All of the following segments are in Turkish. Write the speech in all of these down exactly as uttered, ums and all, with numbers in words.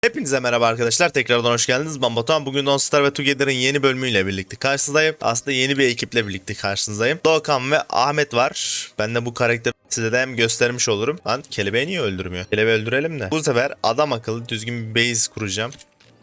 Hepinize merhaba arkadaşlar. Tekrardan hoş geldiniz. Ben Batuhan. Bugün Don't Starve ve Together'ın yeni bölümüyle birlikte karşınızdayım. Aslında yeni bir ekiple birlikte karşınızdayım. Doğukan ve Ahmet var. Ben de bu karakteri size de hem göstermiş olurum. Lan kelebeği niye öldürmüyor? Kelebeği öldürelim de. Bu sefer adam akıllı düzgün bir base kuracağım.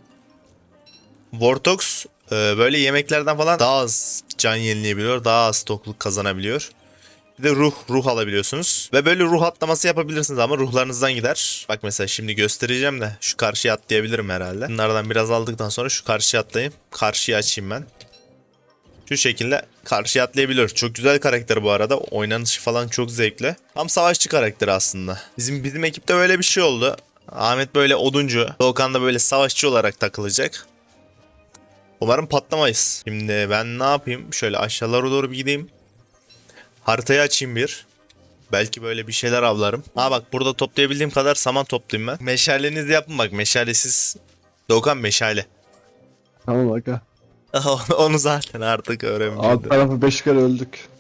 Vortox e, böyle yemeklerden falan daha az can yenileyebiliyor. Daha az tokluk kazanabiliyor. Bir de ruh, ruh alabiliyorsunuz. Ve böyle ruh atlaması yapabilirsiniz ama ruhlarınızdan gider. Bak mesela şimdi göstereceğim de şu karşıya atlayabilirim herhalde. Bunlardan biraz aldıktan sonra şu karşıya atlayayım. Karşıya açayım ben. Şu şekilde karşıya atlayabiliyor. Çok güzel karakter bu arada. Oynanışı falan çok zevkli. Tam savaşçı karakteri aslında. Bizim bizim ekipte böyle bir şey oldu. Ahmet böyle oduncu. Doğukan da böyle savaşçı olarak takılacak. Umarım patlamayız. Şimdi ben ne yapayım? Şöyle aşağılara doğru bir gideyim. Haritayı açayım bir. Belki böyle bir şeyler avlarım. Ha bak burada toplayabildiğim kadar saman toplayayım ben. Meşalenizi yapın bak, meşalesiz. Doğukan meşale. Tamam aga. Onu zaten artık Alt öğrenmeyeceğim. tarafı beş kere öldük.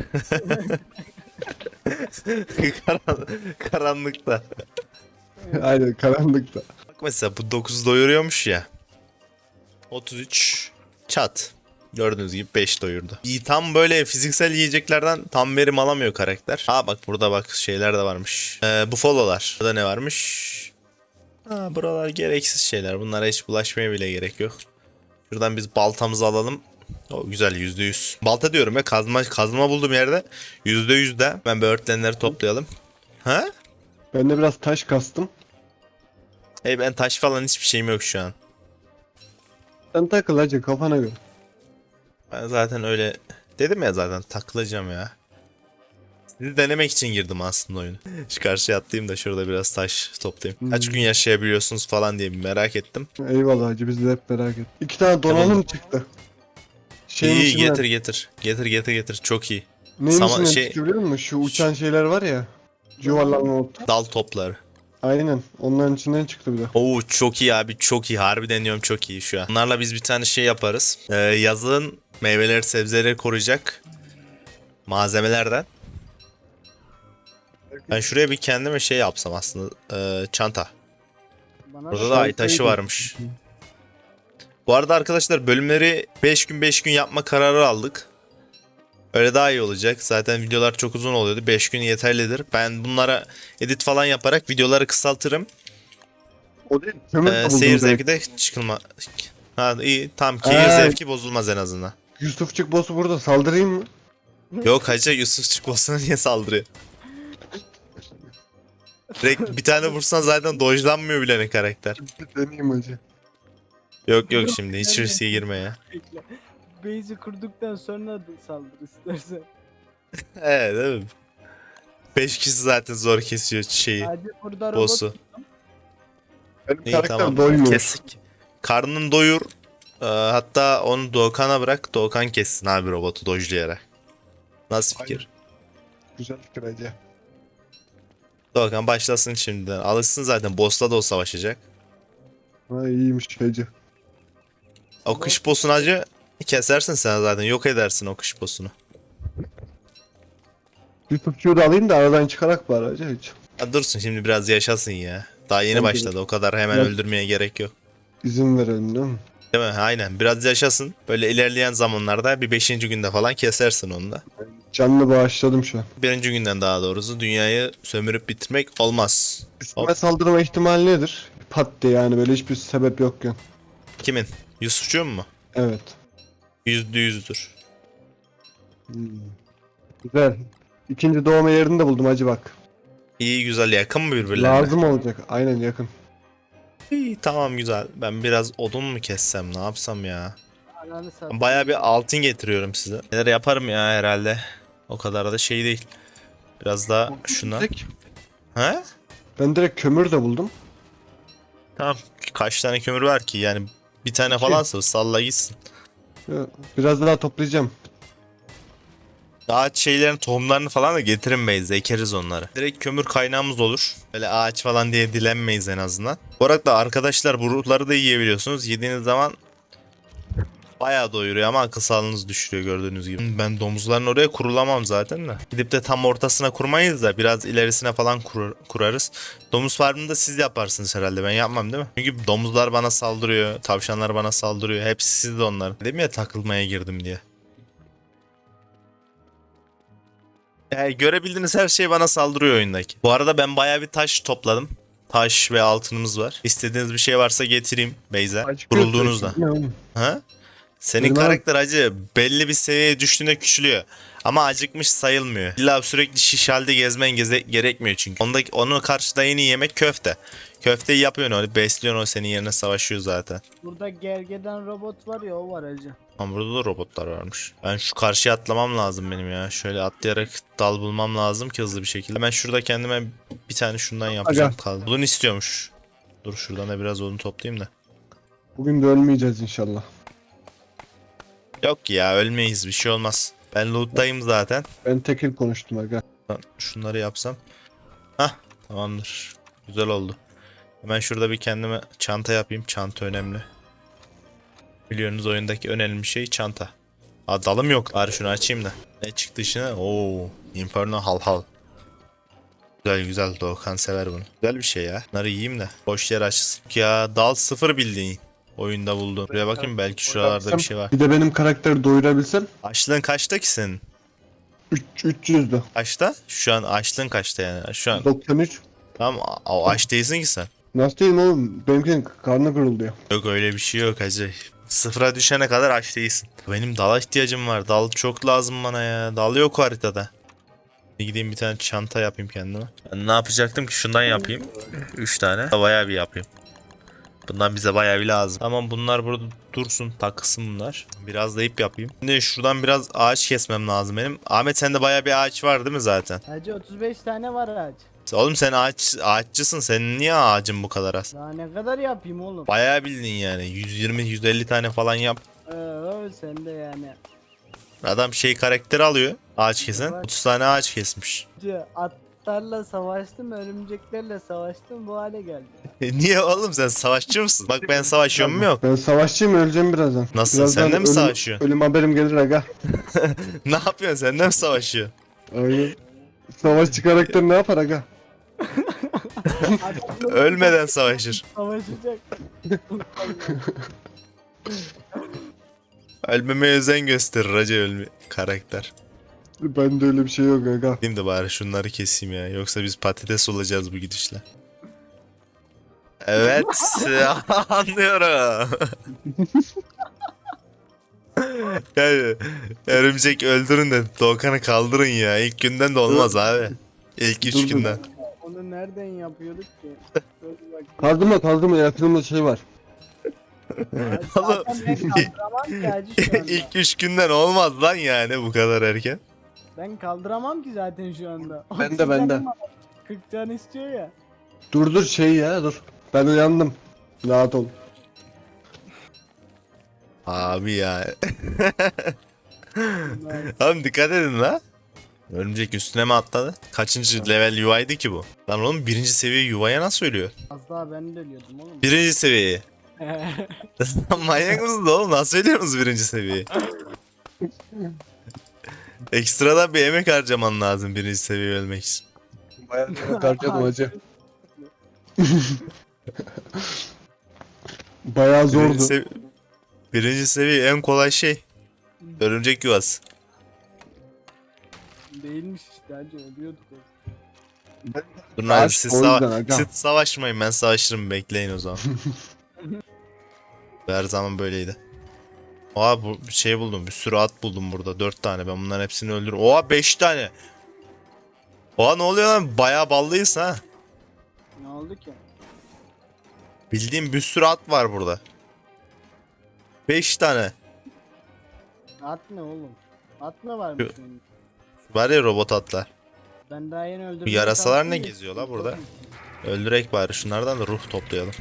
Karan karanlıkta. Aynen karanlıkta. Bak mesela bu dokuz doyuruyormuş ya. otuz üç çat. Gördüğünüz gibi beş doyurdu. İyi, tam böyle fiziksel yiyeceklerden tam verim alamıyor karakter. Ha bak burada bak şeyler de varmış. Ee, bu follow'lar. Burada ne varmış? Ha buralar gereksiz şeyler. Bunlara hiç bulaşmaya bile gerek yok. Şuradan biz baltamızı alalım. O güzel, yüzde yüz. Balta diyorum ya, kazma kazma bulduğum yerde yüzde yüz de. Ben böğürtlenleri toplayalım. Ha? Ben de biraz taş kastım. Hey ben taş falan hiçbir şeyim yok şu an. Sen takıl hacı kafana göre. Ben zaten öyle dedim ya, zaten takılacağım ya. Sizi denemek için girdim aslında oyunu. Şu karşıya atlayayım da şurada biraz taş toplayayım. Kaç Hmm. gün yaşayabiliyorsunuz falan diye bir merak ettim. Eyvallah hacı biz de hep merak ettik. İki tane donanım Tamam. çıktı. Şeyin iyi içinden, getir getir. Getir getir getir. Çok iyi. neyin Sama- içinden şey- çıktı biliyor musun? Şu uçan şeyler var ya. Yuvarlanan ot. Dal topları. Aynen onların içinden çıktı bir de. Oo çok iyi abi, çok iyi. Harbi deniyorum, çok iyi şu an. Bunlarla biz bir tane şey yaparız. Ee, yazın meyveleri sebzeleri koruyacak malzemelerden. Ben şuraya bir kendime şey yapsam aslında. Ee, çanta. Bana Burada da ay taşı varmış. Bu arada arkadaşlar bölümleri beş gün beş gün yapma kararı aldık. Öyle daha iyi olacak. Zaten videolar çok uzun oluyordu. beş gün yeterlidir. Ben bunlara edit falan yaparak videoları kısaltırım. O değil. Kömür Ee, de buldum seyir direkt. zevki de çıkılma. Ha iyi, tam keyir Ee. zevki bozulmaz en azından. Yusufçuk boss'u burada saldırayım mı? Yok hacı, Yusuf Çıkmasına niye saldırıyor? Direkt bir tane vursan zaten dojlanmıyor bile ne karakter. Bir deneyeyim hacı. Yok yok, şimdi hiç riske girme ya. bekle. Base'i kurduktan sonra da saldır istersen. Evet değil mi? beş kişi zaten zor kesiyor şeyi. Hadi burada robot. Boss'u. Benim İyi karakter tamam. doymuyor. Kesik. Karnını doyur. Ee, hatta onu Doğukan'a bırak. Doğukan kessin abi robotu dojlayarak. Nasıl fikir? Güzel fikir hacı. Doğukan başlasın şimdiden. Alışsın zaten. Boss'la da o savaşacak. Ha iyiymiş hacı. O kış boss'unu acı kesersin sen zaten. Yok edersin o kış boss'unu. Yusufçuğu da alayım da aradan çıkarak bari hacı hiç. Ha, dursun şimdi biraz yaşasın ya. Daha yeni Bence de. başladı. O kadar hemen Evet. öldürmeye gerek yok. İzin verelim değil mi? Değil mi? Aynen. Biraz yaşasın. Böyle ilerleyen zamanlarda bir beşinci günde falan kesersin onu da. Canlı bağışladım şu an. Birinci günden daha doğrusu dünyayı sömürüp bitirmek olmaz. Üstüme saldırma ihtimali nedir? Pat diye yani böyle hiçbir sebep yokken. Kimin? Yusufçuğun mu? Evet. Yüzde yüzdür. Hmm. Güzel. İkinci doğma yerini de buldum hacı bak. İyi güzel, yakın mı birbirlerine? Lazım olacak. Aynen yakın. İyi tamam güzel. Ben biraz odun mu kessem, ne yapsam ya? Ananı sat. Baya bir altın getiriyorum size. Neler yaparım ya herhalde. O kadar da şey değil. Biraz daha şuna. Direkt- He? Ben direkt kömür de buldum. Tamam. Kaç tane kömür var ki yani, bir tane İki. falansa salla gitsin. Ya, biraz daha toplayacağım. Ağaç şeylerin tohumlarını falan da getirinmeyiz. Ekeriz onları. Direkt kömür kaynağımız olur. Böyle ağaç falan diye dilenmeyiz en azından. Bu arada arkadaşlar bu ruhları da yiyebiliyorsunuz. Yediğiniz zaman Bayağı doyuruyor ama akıl sağlığınızı düşürüyor gördüğünüz gibi. Ben domuzların oraya kurulamam zaten de. Gidip de tam ortasına kurmayız da biraz ilerisine falan kur- kurarız. Domuz farmını da siz yaparsınız herhalde, ben yapmam değil mi? Çünkü domuzlar bana saldırıyor, tavşanlar bana saldırıyor. Hepsi sizde onlar. Dedim ya takılmaya girdim diye. Yani görebildiğiniz her şey bana saldırıyor oyundaki. Bu arada ben bayağı bir taş topladım. Taş ve altınımız var. İstediğiniz bir şey varsa getireyim Beyza. Kurulduğunuzda. Ne oğlum? Ha? Senin Benim karakter acı belli bir seviyeye düştüğünde küçülüyor. Ama acıkmış sayılmıyor. İlla sürekli şiş halde gezmen geze- gerekmiyor çünkü. Ondaki, onun karşıda en iyi yemek köfte. Köfteyi yapıyorsun öyle besliyorsun, o senin yerine savaşıyor zaten. Burada gergedan robot var ya, o var hacı. Ama burada da robotlar varmış. Ben şu karşıya atlamam lazım benim ya. Şöyle atlayarak dal bulmam lazım ki hızlı bir şekilde. Ben şurada kendime bir tane şundan yapacağım kaldı. Bunu istiyormuş. Dur şuradan da biraz onu toplayayım da. Bugün de ölmeyeceğiz inşallah. Yok ya, ölmeyiz, bir şey olmaz. Ben loot'tayım zaten. Ben tekil konuştum aga. Şunları yapsam. Hah, tamamdır. Güzel oldu. Hemen şurada bir kendime çanta yapayım. Çanta önemli. Biliyorsunuz oyundaki önemli şey çanta. Aa, dalım yok. Bari şunu açayım da. Ne çıktı içine? Oo, Inferno hal hal. Güzel güzel, Doğukan sever bunu. Güzel bir şey ya. Bunları yiyeyim de. Boş yer açsın. Ya dal sıfır bildiğin. Oyunda buldum. Buraya bakayım, belki şuralarda bir şey var. Bir de benim karakteri doyurabilsem Açlığın kaçta ki senin? üç yüzdü. Kaçta? Şu an açlığın kaçta yani? Şu an. doksan üç. Tamam, o aç değilsin ki sen. Nasıl diyeyim oğlum? Benimkinin karnı kırılıyor. Yok öyle bir şey yok hacı. Sıfıra düşene kadar aç değilsin. Benim dala ihtiyacım var. Dal çok lazım bana ya. Dal yok haritada. Bir gideyim bir tane çanta yapayım kendime. Ben ne yapacaktım ki? Şundan yapayım. Üç tane. Bayağı bir yapayım. Bundan bize bayağı bir lazım. Tamam, bunlar burada dursun. Takılsın bunlar. Biraz da ip yapayım. Şimdi şuradan biraz ağaç kesmem lazım benim. Ahmet, sende bayağı bir ağaç var değil mi zaten? Hacı otuz beş tane var ağaç. Oğlum sen ağaç, ağaççısın. Senin niye ağacın bu kadar az? Daha ne kadar yapayım oğlum? Bayağı bildin yani. yüz yirmi yüz elli tane falan yap. Ee, sen de yani. Adam şey karakteri alıyor. Ağaç kesen. otuz tane ağaç kesmiş. Hacı, atlarla savaştım, örümceklerle savaştım, bu hale geldi. E niye oğlum, sen savaşçı mısın? Bak ben savaşıyorum mu yok? Ben savaşçıyım, öleceğim birazdan. Nasıl? Birazdan Sen de mi ölüm- savaşıyorsun? Ölüm haberim gelir aga. Ne yapıyorsun? Sen de mi savaşıyorsun? Aynen. Savaşçı karakter ne yapar aga? Ölmeden savaşır. Savaşacak. Ölmemeye özen gösterir acı ölme karakter. Bende öyle bir şey yok aga. Diyeyim de bari şunları keseyim ya. Yoksa biz patates olacağız bu gidişle. Evet. Anlıyorum. Yani örümcek öldürün de Doğukan'ı kaldırın ya. İlk günden de olmaz abi. İlk üç Dur, dur. günden. Onu nereden yapıyorduk ki? Dur bak. Kazdıma kazdıma yakınımda şey var. Zaten ben kaldıramam ki hacı şu anda. İlk üç günden olmaz lan yani bu kadar erken. Ben kaldıramam ki zaten şu anda. Ben de, otuz ben de. canım var. kırk can istiyor ya. Dur dur şey ya dur. Ben uyandım. Rahat ol. Abi ya. Bunlar- Oğlum dikkat edin la. Örümcek üstüne mi atladı? Kaçıncı level U I'di ki bu? Lan oğlum birinci seviye U I'ya nasıl ölüyor? Az daha ben de ölüyordum oğlum. Birinci seviyeyi. Manyak mısınız oğlum? Nasıl ölüyorsunuz birinci seviyeyi? Ekstradan bir emek harcaman lazım birinci seviye ölmek için. Bayağı harcadım hacı. Bayağı Birinci, zordu. sevi- birinci seviye en kolay şey. Örümcek yuvası. Değilmiş işte hacı, ölüyorduk. Durun Aşk abi siz, o sava- yüzden aga. siz savaşmayın, ben savaşırım, bekleyin o zaman. Her zaman böyleydi. Oha, bu bir şey buldum, bir sürü at buldum burada, dört tane, ben bunların hepsini öldürürüm. Oha, beş tane. Oha, ne oluyor lan, bayağı ballıyız ha. Ne oldu ki? Bildiğim bir sürü at var burada. beş tane. At ne oğlum? At mı var mı Yo- senin? Var ya robot atlar. Ben daha yeni öldürdüm. Bu yarasalar ne geziyor la burada? Öldürek bari şunlardan da ruh toplayalım.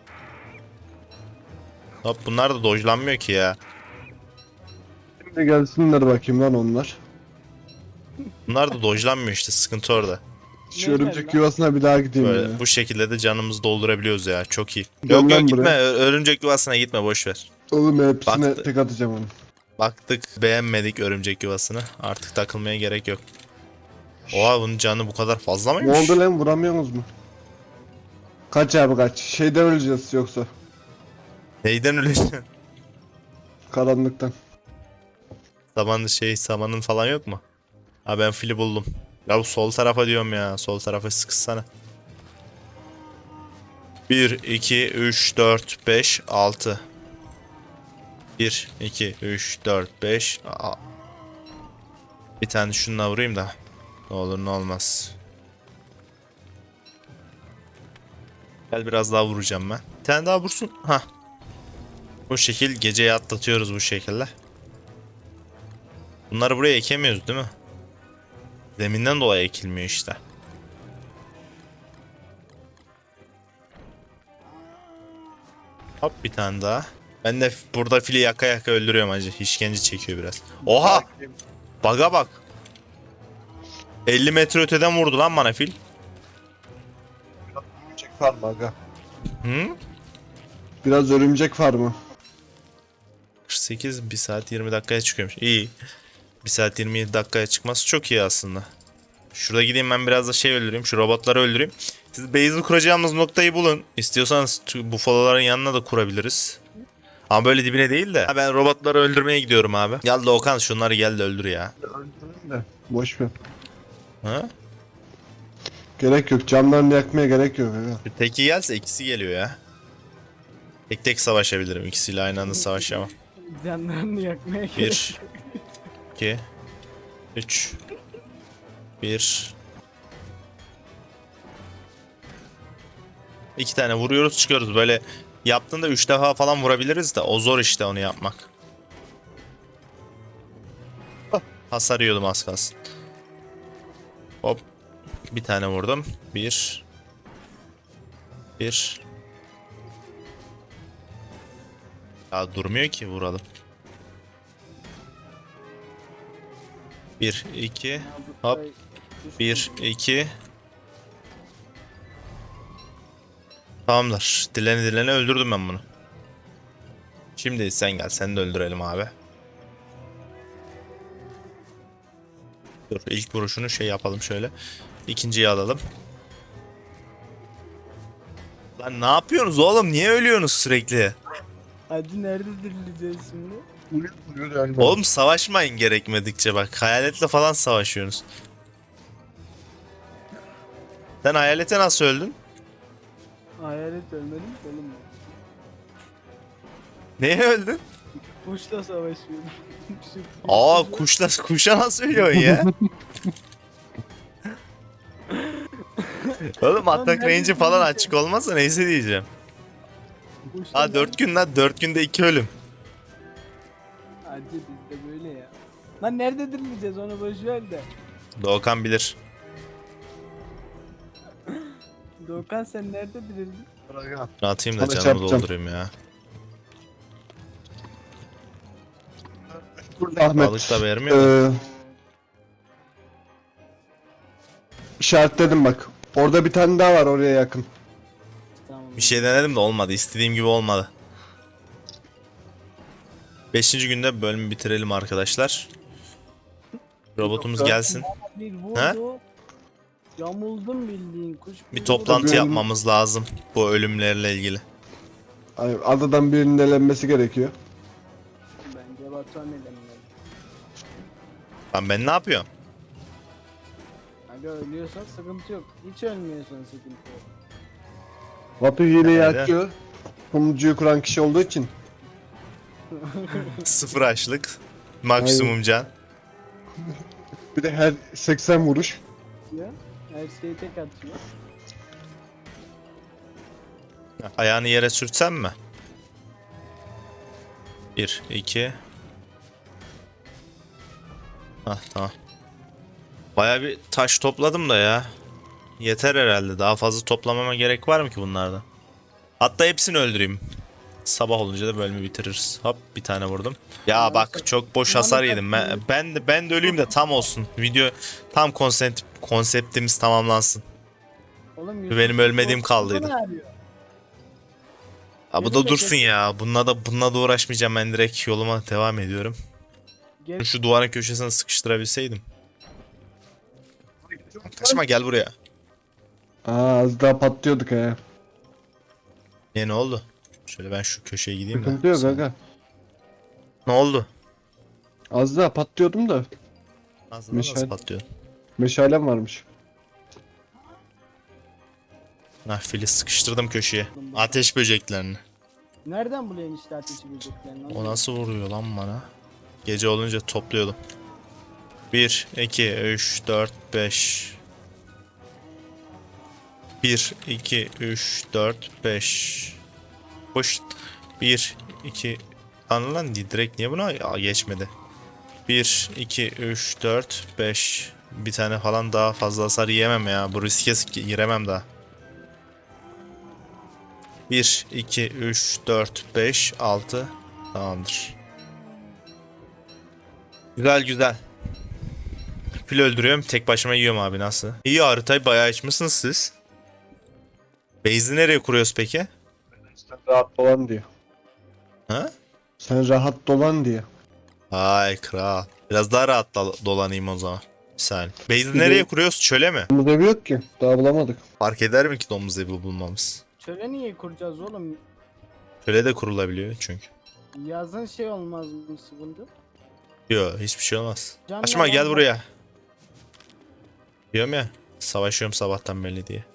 Hop, bunlar da dojlanmıyor ki ya. Şimdi gelsinler bakayım lan onlar. Bunlar da dojlanmıyor işte, sıkıntı orada. Şu Ne örümcek lan? yuvasına bir daha gideyim Böyle ya. bu şekilde de canımızı doldurabiliyoruz ya, çok iyi. Gel Yok lan yok gitme, buraya. Ö- örümcek yuvasına gitme, boş ver. Oğlum hepsine Baktı. tek atacağım onu. Baktık beğenmedik örümcek yuvasını. Artık takılmaya gerek yok. Oha bunun canı bu kadar fazla Ne mıymış? oldu lan, vuramıyorsunuz mu? Kaç abi kaç. Şeyden öleceğiz yoksa. Neyden öleceksin? Karanlıktan. Saman şey samanın falan yok mu? Ha ben fili buldum. Ya bu sol tarafa diyorum ya. Sol tarafa sıkışsana. bir, iki, üç, dört, beş, altı. bir, iki, üç, dört, beş. Bir tane şununla vurayım da. Ne olur ne olmaz. Gel biraz daha vuracağım ben. Bir tane daha vursun. Ha. Bu şekil geceyi atlatıyoruz bu şekilde. Bunları buraya ekemiyoruz değil mi? Zeminden dolayı ekilmiyor işte. Hop bir tane daha. Ben de burada fili yaka yaka öldürüyorum acı. İşkence çekiyor biraz. Oha! Baga bak. elli metre öteden vurdu lan bana fil. Örümcek farmı aga. Hı? Biraz örümcek farmı. kırk sekiz bir saat yirmi dakikaya çıkıyormuş. İyi. bir saat yirmi yedi dakikaya çıkması çok iyi aslında. Şurada gideyim ben biraz da şey öldüreyim. Şu robotları öldüreyim. Siz base'i kuracağımız noktayı bulun. İstiyorsanız bufaloların yanına da kurabiliriz. Ama böyle dibine değil de. Ha, ben robotları öldürmeye gidiyorum abi. Gel de Okan şunları gel de öldür ya. Öldürün de. Boş ver. Ha? Gerek yok. Camlarını yakmaya gerek yok aga. Bir teki gelse ikisi geliyor ya. Tek tek savaşabilirim. İkisiyle aynı anda savaşamam. Canlarını yakmaya gerek Bir. yok. iki. üç. bir. İki tane vuruyoruz çıkıyoruz. Böyle yaptığında üç defa falan vurabiliriz de o zor işte onu yapmak. Hasar yiyordum az kalsın. Hop. Bir tane vurdum. Bir. Bir. Ya durmuyor ki vuralım. Bir, iki. Hop. Bir, iki. Tamamdır. Dilene dilene öldürdüm ben bunu. Şimdi sen gel. Seni de öldürelim abi. Dur ilk vuruşunu şey yapalım şöyle. İkinciyi alalım. Lan ne yapıyorsunuz oğlum? Niye ölüyorsunuz sürekli? Hacı nerede dirileceğiz şimdi? Vuruyor vuruyor yani. Oğlum savaşmayın gerekmedikçe bak. Hayaletle falan savaşıyorsunuz. Sen hayalete nasıl öldün? Hayalet ölmedim ki oğlum. Neye öldün? Kuşla savaşıyorum. Şu Aa kuşla- kuşla kuşa nasıl ölüyorsun ya? Oğlum atak nerede range'i falan dirileceğim? açık olmazsa neyse diyeceğim. kuşla Aa dört gün lan dört günde iki ölüm. Hacı bizde böyle ya. Lan nerede dirileceğiz onu boş ver de. Doğukan bilir. Doğukan sen nerede dirildin? Aga. Atayım da Sana canımı çarpacağım. doldurayım ya. Burada Ahmet. Balık da vermiyor da. Ee, işaretledim bak. Orada bir tane daha var oraya yakın. Tamam. Bir şey denedim de olmadı. İstediğim gibi olmadı. Beşinci günde bölümü bitirelim arkadaşlar. Robotumuz Yoksa- gelsin. Bir vurdu. He? Yamuldum bildiğin kuş. Bir vurdu. toplantı Bölüm- yapmamız lazım bu ölümlerle ilgili. Ay, adadan birinin elenmesi gerekiyor. Bence Batuhan elenmeli. Lan ben ne yapıyorum? Aga ölüyorsan sıkıntı yok. Hiç ölmüyorsan sıkıntı yok. Batu hileyi Nerede? açıyor. Sunucuyu kuran kişi olduğu için. Sıfır açlık. Maksimum can. Bir de her seksen vuruş. Ya. Her şeyi tek atıyor. Ayağını yere sürtsem mi? Bir, iki. Hah tamam. Baya bir taş topladım da ya. Yeter herhalde. Daha fazla toplamama gerek var mı ki bunlardan? Hatta hepsini öldüreyim. Sabah olunca da bölümü bitiririz. Hop bir tane vurdum. Ya bak çok boş hasar yedim. Ben, ben de ben de öleyim de tam olsun. Video tam konsept konseptimiz tamamlansın. Oğlum Benim ölmediğim Yusuf kaldıydı. ne arıyor? Ha, bu Benim da de dursun geç- ya. Bununla da bununla da uğraşmayacağım, ben direkt yoluma devam ediyorum. Gel. Şu duvarın köşesine sıkıştırabilseydim. Kaçma, gel buraya. Aa az daha patlıyorduk he. Niye, ne oldu? Şöyle ben şu köşeye gideyim de. Sıkıntı yok Sen- aga. Ne oldu? Az daha patlıyordum da. Nasıl, Meşal- nasıl patlıyor? Meşalem varmış. Ah, fili sıkıştırdım köşeye. Ateş böceklerini. Nereden buluyorsun işte ateşi böceklerini? O nasıl vuruyor lan bana? Gece olunca topluyordum. bir, iki, üç, dört, beş. bir, iki, üç, dört, beş. Boş. bir, iki. Lan lan direkt niye buna Aa, geçmedi? bir, iki, üç, dört, beş. Bir tane falan daha fazla hasar yiyemem ya. Bu riske giremem daha. bir, iki, üç, dört, beş, altı. Tamamdır. Güzel güzel. Fil öldürüyorum. Tek başıma yiyorum abi, nasıl? İyi, haritayı bayağı açmışsınız siz. Base'i nereye kuruyoruz peki? Sen rahat dolan diye. Ha? Sen rahat dolan diye. Ay kral. Biraz daha rahat dal- dolanayım o zaman. Bir saniye. Base'i Bir nereye de- kuruyoruz? Çöle mi? Domuz evi yok ki. Daha bulamadık. Fark eder mi ki domuz evi bulmamız? Çöle niye kuracağız oğlum? Çöle de kurulabiliyor çünkü. Yazın şey olmaz mı sıkıntı? Yok, hiçbir şey olmaz. Canlı Açma, gel alan- buraya. Diyorum ya. Savaşıyorum sabahtan belli diye.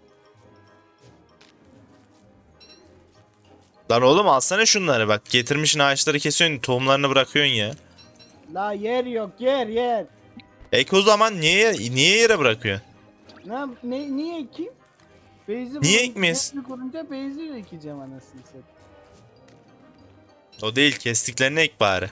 Lan oğlum, alsana şunları bak. Getirmişsin ağaçları kesiyorsun, tohumlarını bırakıyorsun ya. La yer yok yer yer. Ek o zaman niye niye yere bırakıyorsun? Ne, yap- ne niye ekeyim? Beyzi Niye bulun- ekmeyiz? Beyzi kurunca beyzi ekeceğim anasını satayım. O değil, kestiklerini ek bari.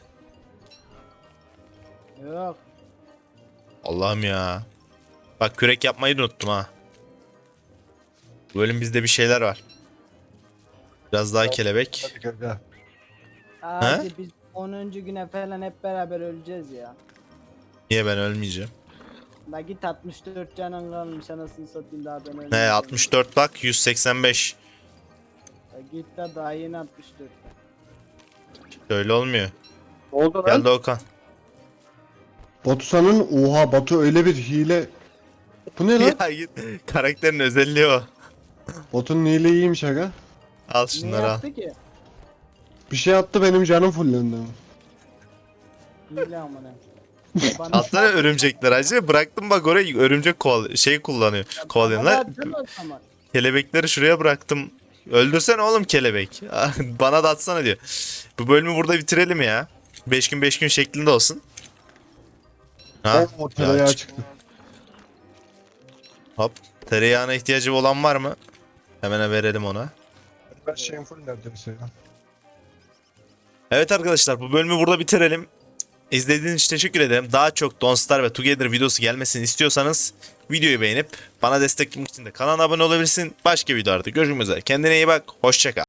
Yok. Allah'ım ya. Bak, kürek yapmayı da unuttum ha. Bu bölüm bizde bir şeyler var. Biraz daha kelebek. Hadi gaga. Hadi biz onuncu güne falan hep beraber öleceğiz ya. Niye ben ölmeyeceğim? La git altmış dört canın kalmış anasını satayım daha ben ölmeyeceğim. Ne, altmış dört bak, yüz seksen beş. La git de daha yeni altmış dört. Öyle olmuyor. Ne oldu lan? Geldi Okan. Batu'nun oha Batu öyle bir hile. Bu ne lan? Ya git. Karakterin özelliği o. Batu'nun hile iyiymiş aga. Al Ne şunları al. yaptı ki? Bir şey attı benim canım fullendi. Hile amına. Bana- Alsana örümcekler acı. Bıraktım bak oraya, örümcek koval şey kullanıyor. Bana Kovalıyorlar. da atsana o zaman. Kelebekleri şuraya bıraktım. Öldürsene oğlum kelebek. Bana da atsana diyor. Bu bölümü burada bitirelim ya. beş gün beş gün şeklinde olsun. Ha? O tereyağı Ya çık- çıktı. Hop. Tereyağına ihtiyacı olan var mı? Hemen verelim ona. Ben şeyim full neredeyse ya. Evet arkadaşlar, bu bölümü burada bitirelim. İzlediğiniz için teşekkür ederim. Daha çok Don't Starve ve Together videosu gelmesini istiyorsanız videoyu beğenip bana destek için de kanala abone olabilirsin. Başka videolarda görüşmek üzere. Kendine iyi bak. Hoşça kal.